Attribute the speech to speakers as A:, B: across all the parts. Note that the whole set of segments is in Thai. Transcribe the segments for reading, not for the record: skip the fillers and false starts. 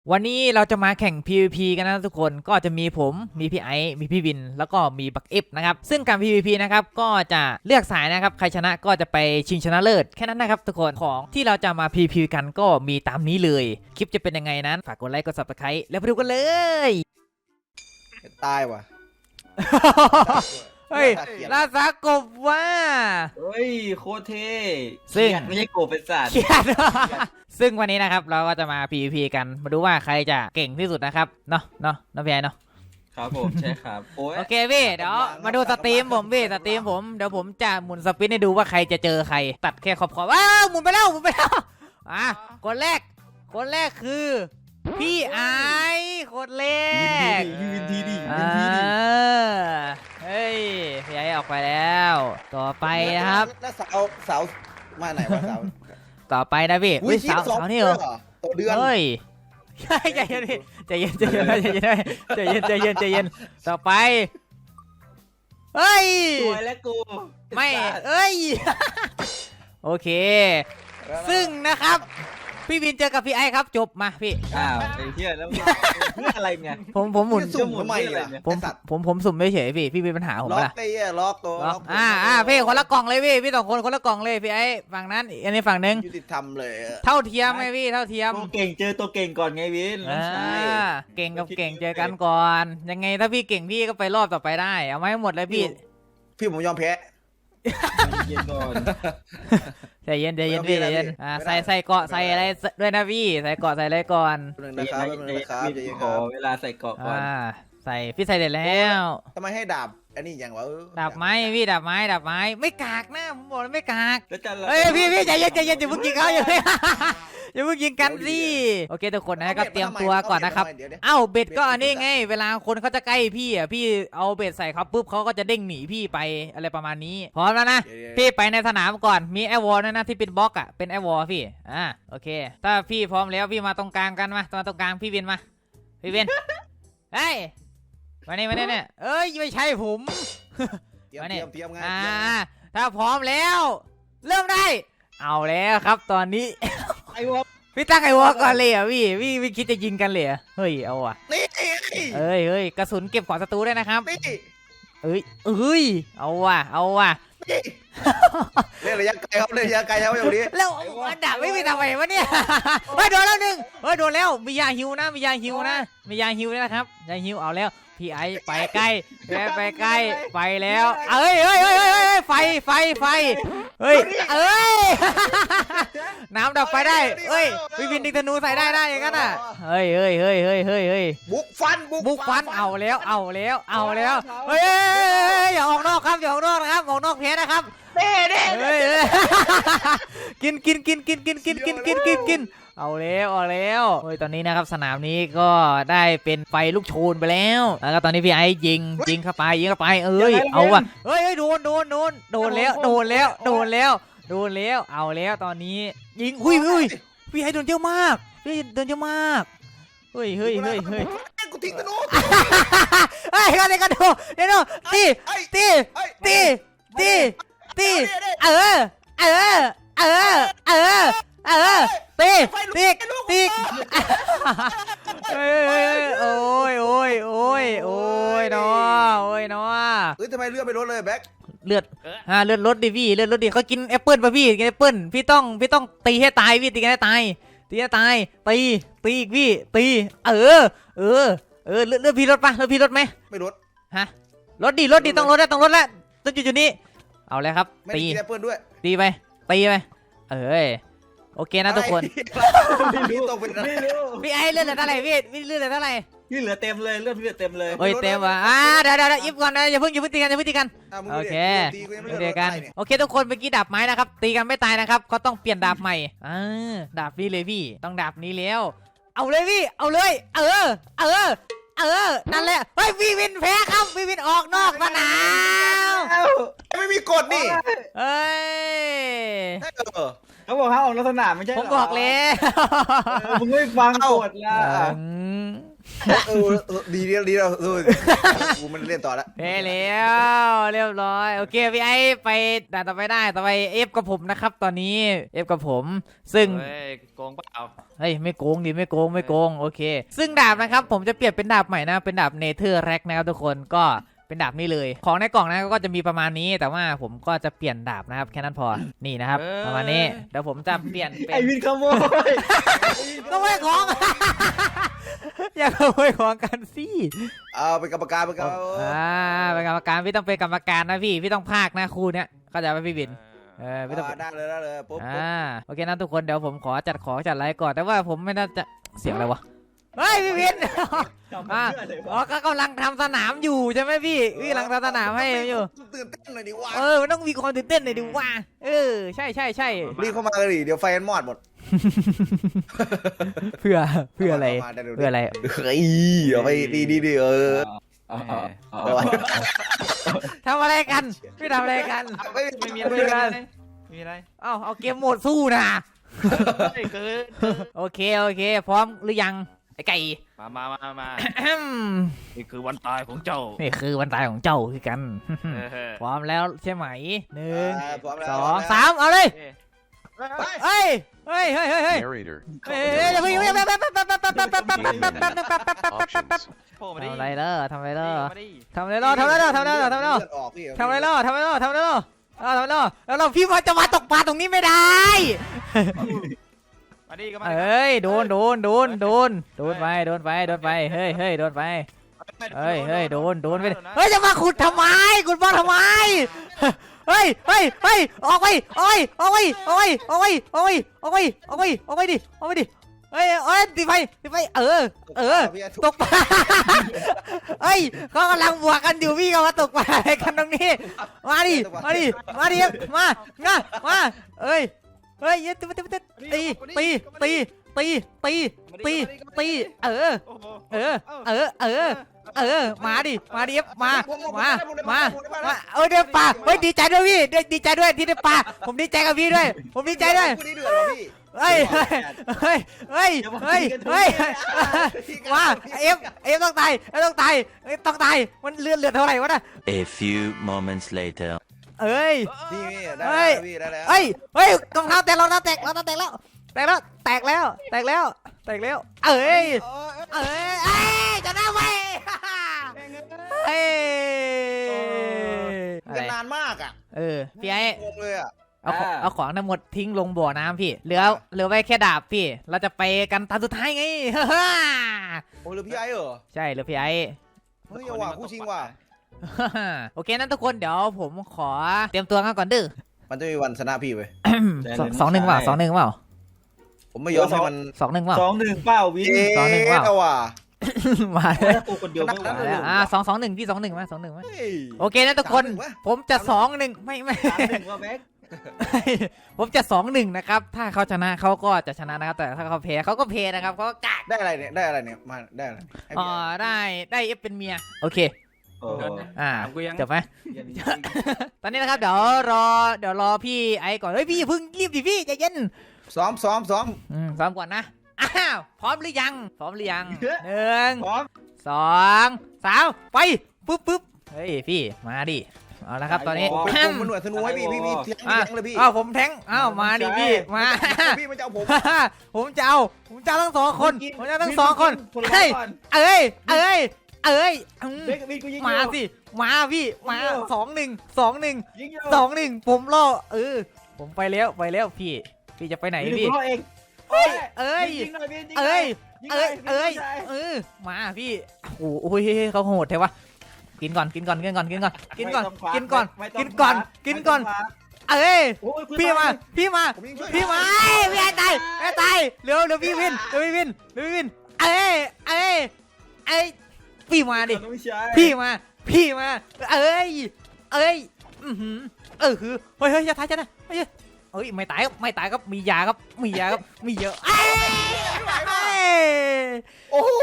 A: วันนี้เราจะมาแข่ง PVP กันนะทุกคนก็จะมีผมมีพี่ไอซ์มีพี่วินแล้วก็มีบักเอฟนะครับซึ่งการ PVP นะครับก็จะเลือกสายนะครับใครชนะก็จะไปชิงชนะเลิศแค่นั้นนะครับทุกคนของที่เราจะมา PVP กันก็มีตามนี้เลยคลิปจะเป็นยังไงนั้นฝากกดไลค์กด Subscribe แล้วไปดูกันเลย
B: ตายว่ะ
A: เฮ้ยลาซากบว่า
C: เฮ้ยโคตรเท่
A: ซึ่ง
C: ไม่ใช่โกบเป็นสัตว์
A: เครียดซึ่งวันนี้นะครับเราก็จะมา PVP กันมาดูว่าใครจะเก่งที่สุดนะครับเนาะพี่ไอเนาะ
C: ครับผมใช่ครับ
A: โอเคพี่เดี๋ยวมาดูสตรีมผมพี่สตรีมผมเดี๋ยวผมจะหมุนสปินให้ดูว่าใครจะเจอใครตัดแค่ขอบว้าวหมุนไปแล้วอ่ะคนแรกคือพี่ไอคนแรก
C: ยืนทีดิ
A: เฮ้ยพี่ไอออกไปแล้วต่อไปนะครับ
B: แล้วสาวมาไหนวะสาว
A: ต่อไปนะพี่สาวนี่เหรอ
B: ตัวเดือน
A: เฮ้ยใจเย็นพี่ใจเย็นต่อไปเฮ้ย
C: สวยแล้วกู
A: ไม่เอ้ยโอเคซึ่งนะครับพี่วินเจอกับพี่ไอครับจบมาพี่
C: อ้าวไอ้เหี้ยแล้วเพื่ออะไรเนี่ย
A: ผมหมุน
B: สุ่มทำไมล่ะ
A: ผมสุ่มไม่เฉยพี่มีปัญหาผม
B: ล็อ
A: ละ
B: กไอ้ล็อกตัว
A: พี่คนละกล่องเลยพี่2 คนคนละกล่องเลยพี่ไอฝั่งนั้นอันนี้ฝั่งนึง
B: ยุติธรรมเลย
A: เท่าเทียมไหมพี่เท่าเทียม
C: ตัวเก่งเจอตัวเก่งก่อนไงวิน
A: เก่งกับเก่งเจอกันก่อนยังไงถ้าพี่เก่งพี่ก็ไปรอบต่อไปได้เอาไว้หมดเลยพี่
B: ผมยอมแพ้
C: เย็นก่อน
A: ใจเย็นพี่ใจเย็นใส่เกาะใส่อะไรด้วยนะพี่ใส่เกาะใส่อะไรก่อน
B: นะครับ
C: ขอเวลาใส่เกาะก่อน
A: ใส่พี่ใส่เด็ดแล้ว
B: ทำไมให้ดาบอันนี้อย่างวะ
A: ดาบไม้พี่ดาบไม้ไม่กากนะผมบอกแล้วไม่กากเฮ้ยพี่ใจเย็นอย่าเพิ่งยิงเขาอย่าเพิ่งยิงกันสิโอเคทุกคนนะครับเตรียมตัวก่อนนะครับเอ้าเบ็ดก็อันนี้ไงเวลาคนเขาจะใกล้พี่อ่ะพี่เอาเบ็ดใส่เขาปุ๊บเขาก็จะเด้งหนีพี่ไปอะไรประมาณนี้พร้อมแล้วนะพี่ไปในสนามก่อนมีไอวอลนะที่เป็นบล็อกอ่ะเป็นไอวอลพี่โอเคถ้าพี่พร้อมแล้วพี่มาตรงกลางกันมาตรงกลางพี่วินมาพี่วินเฮ้ยมาเนี่ยเอ้ยไม่ใช่ผม
B: เตรียมงาน
A: ถ้าพร้อมแล้วเริ่มได้เอาแล้วครับตอนนี้
C: ไอวอล
A: พี่ตั้งไอวอลก่อนเลยอ่ะพี่คิดจะยิงกันเลยเฮ้ยเอาอ่ะ
B: นี่
A: เฮ้ยกระสุนเก็บของศัตรูได้นะครับเอ้ยเอาว่ะ
B: เล่นระยะไกลครับเล่นระยะไกลครับอย่างนี้
A: แล้วอันดับไม่มีทำไมวะเนี่ยเฮ้ยโดนแล้วหนึ่งโดนแล้วมียาฮิวนะมียาฮิวนะครับยาฮิวเอาแล้วพี่ไอไปใกล้ไปแล้วเฮ้ยไฟเฮ้ยน้ำดับไฟได้เฮ้ยพี่วินดิงธนูใส่ได้อย่างนั้นอ่ะเฮ้ย
B: บุกฟัน
A: เอาแล้วเฮ้ยอย่าออกนอกครับออกนอกเพจนะครับ
B: เด้
A: กินเอาแล้วเฮ้ยตอนนี้นะครับสนามนี้ก็ได้เป็นไฟลูกโชนไปแล้วก็ตอนนี้พี่ไอ้ยิงเข้าไปเอาว่ะเฮ้ยโดนแล้วเอาแล้วตอนนี้ยิงอุ้ยพี่ไอ้โดนเยอะมากเฮ้ย
B: กูทิ้งธนู
A: ก็ดูตีตีโอ้ยเนาะ
B: ทำไมเลือดไม่ลดเลยแบ็ค
A: เลือดลดดิพี่เลือดลดดิเขากินแอปเปิลป่ะพี่กินแอปเปิลพี่ต้องตีให้ตายพี่ตีให้ตายตีอีกพี่ตีเลือดพี่ลดปะพี่ลดไหม
B: ไม่ลด
A: ลดดิต้องลดแล้วต้องจุดนี้เอาเลยครับตี
B: แอปเปิลด้วย
A: ตีไปโอเคนะทุกคนพี่ไอเลือดเหลือเท่าไหร่พี่เลือดเหลือเท่าไหร่
C: พี่เหลือเต็มเลยเลือดพี่เหลือเต็มเลย
A: เต็มว่ะเดี๋ยวยิบก่อนนะอย่าเพิ่งตีกันโอเคตีกันโอเคทุกคนเมื่อกี้ดาบไม้นะครับตีกันไม่ตายนะครับก็ต้องเปลี่ยนดาบใหม่ดาบนี้เลยพี่ต้องดาบนี้แล้วเอาเลยพี่เอาเลยนั่นแหละเฮ้ยพี่วินแพ้ครับพี่วินออกนอกสนาม
B: ไม่มีกฎนี่
A: เฮ้ย
C: เขาบอกห้ามออกนอกสนามไม่ใช่
A: ผมบอกเลย
C: มึงไม่ฟังกฎละ
B: ดีแล้วกูมันเล่นต่อแล้ว
A: เฮ้แล้วเรียบร้อยโอเคพี่ไอ้ไปด่านต่อไปได้ต่อไปเอฟกับผมนะครับตอนนี้เอฟกับผมซึ่ง
D: เฮ้ยโกงเปล่า
A: เฮ้ยไม่โกงดิไม่โกงโอเค ซึ่งดาบนะครับผมจะเปลี่ยนเป็นดาบใหม่นะเป็นดาบเนเธอร์แร็กนะครับทุกคนก็เป็นดาบนี้เลยของในกล่องนะก็จะมีประมาณนี้แต่ว่าผมก็จะเปลี่ยนดาบนะครับแค่นั้นพอนี่นะครับประมาณนี้เดี๋ยวผมจะเปลี่ยนเป็น
C: ไอวินขโมย
A: ก็ไม่ของ อย่าขโมยของกันสิ
B: เอาเป็นกรรมการเป็นกรรมการ
A: เป็นกรรมการพี่ต้องเป็นกรรมการนะพี่ต้องพากนะคู่เนี้ยเข้าใจไหมพี่บินพี่ต้อง
B: ได้เลยปุ๊บ
A: โอเคนะทุกคนเดี๋ยวผมขอจัดของจัดอะไรก่อนแต่ว่าผมไม่น่าจะเสียงอะไรวะเฮ้ยพี่บินอ๋อก็กำลังทำสนามอยู่ใช่ไหมพี่กำลังทำสนามให้อยู่
B: ตื่นเต้นหน่อยดิวะ
A: มันต้องมีความตื่นเต้นหน่อยดิว่าใช่
B: รีบเข้ามาเลยดิเดี๋ยวไฟมันมอดหมด
A: เพื่ออะไรเพื่ออะไร
B: เฮ้ยเอาไปดี
A: ทำอะไรกันพี่ทำอะไรกัน
D: ไม่มีอะไรมีอะไร
A: เอาเกมโหมดสู้นะ
D: เกิน
A: โอเคพร้อมหรือยังไอ้ไก่
D: มานี่คือวันตายของเจ้า
A: นี่คือวันตายของเจ้าคือกัน พร้อมแล้วใช่ไหม1 2 3เอาเลยเฮ้ยเดี๋ยวพี่
D: โผล่มาดิ
A: ทำอะไรล่ะทำอะไรล่ะ
D: มาดิ
A: แล้วเราพี่จะมาตกปลาตรงนี้ไม่ได้
D: มาดิก็มา
A: เอ้ยโดนไปเฮ้ยโดนไปโดนไปโดนไปเฮ้ยจะมาขุดทำไมขุดบอลทำไมเฮ้ยออกไปดิเฮ้ยตีไปตกปลาเฮ้ยเขากำลังบวกกันอยู่พี่ก็มาตกปลาอะไรกันตรงนี้มาดิมาเอ้ยตีมาดิมาเดี๋ยวป่าเฮ้ยดีใจด้วยพี่ดีใจด้วยที่ได้ป่าผมดีใจกับพี่ด้วยผมดีใจด้วยเฮ้ยมาเอฟต้องตายมันเลือดเท่าไหร่วะน่ะ
E: A few moments later
A: เอ้ย
B: ได้แล้ว
A: เฮ้ยรองเท้าแตกแล้วแตกแล้วเอ้ยจะได้ไหม
B: กันนานมากอ่ะ
A: พี่ไอ้
B: งงเลยอ่ะ
A: เอาของทั้งหมดทิ้งลงบ่อน้ำพี่เหลือไว้แค่ดาบพี่เราจะไปกันตาสุดท้ายไง
B: โอ้หรือพี่ไอ้เหรอ
A: ใช่เหลือพี่ไอ้
B: เฮ้ยว่ะคู่ชิงว่ะ
A: โอเคนั้นทุกคนเดี๋ยวผมขอเตรียมตัวกันก่อนดื้อ
B: มันจะมีวันชนะพี่ไป
A: 2-1 เปล่า
B: ผมไม่ยอมให้มัน
A: 2-1 เปล่า
C: 2-1เปล่าวิน
A: 2-1 เปล่า
B: ว่ะ
A: มาเลย
C: ตัวคนเดียวไม่
A: มา
C: ไหว
A: แล้ว2-1พี่2-1มาโอเคนะทุกคน
B: 3-1 วะ
A: ผมจะ2-1ไม่
C: 3-1ว่าแม็ก
A: ผมจะ2-1นะครับถ้าเขาชนะเขาก็จะชนะนะครับแต่ถ้าเขาแพ้เขาก็แพ้นะครับเขาก็กาก
B: ได้อะไรเนี่ยมาได้อะไร
A: ได้เอฟเป็นเมียโอเค
C: โอ้
A: จบไหมตอนนี้นะครับเดี๋ยวรอพี่ไอ้ก่อนเฮ้ยพี่เพิ่งรีบดิพี่ใจเย็น
B: ซ้อม
A: ซ้อมก่อนนะพร้อมหรือยัง1
C: พร้อม
A: 2 3ไปปุ๊บเฮ้ยพี่มาดิเอาละครับตอนนี้
B: ผมมันหน่วยธนูให้พี่เทียงเลยพี่
A: ผมแทงมาดิพี่มา
B: พี่มันจะเอาผม
A: ผมจะเอาทั้ง2 คนเฮ้ยมาสิมาพี่มา2-1 ผมรอผมไปแล้วพี่จะไปไหนพี่มาพี่โอ้ยเขาโหดแท้วะกินก่อนพี่มาพี่ตายเร็วพี่วินพี่มาดิพี่มาเฮ้ยจะตายจะนะไม่ตายครับมียาครับมีเยอะ
B: โอ้โห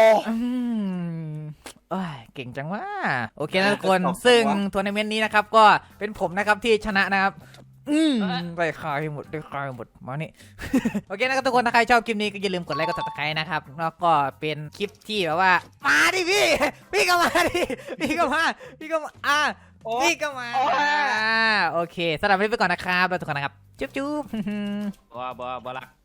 A: เก่งจังว่าโอเคนะทุกคนซึ่งทัวร์นาเมนต์นี้นะครับก็เป็นผมนะครับที่ชนะนะครับได้คายหมดได้คายหมดมานี่ โอเคนะครับทุกคนถ้าใครชอบคลิปนี้ก็อย่าลืมกดไลค์กดติดตามนะครับแล้วก็เป็นคลิปที่แบบว่ามาดิพี่ก็มาดิพี่ก็มาพี่ก็มาพี่ก็มาโอเคสำหรับวันนี้ไปก่อนนะครับแล้วทุกคนนะครับจุ๊บ
D: บ่รัก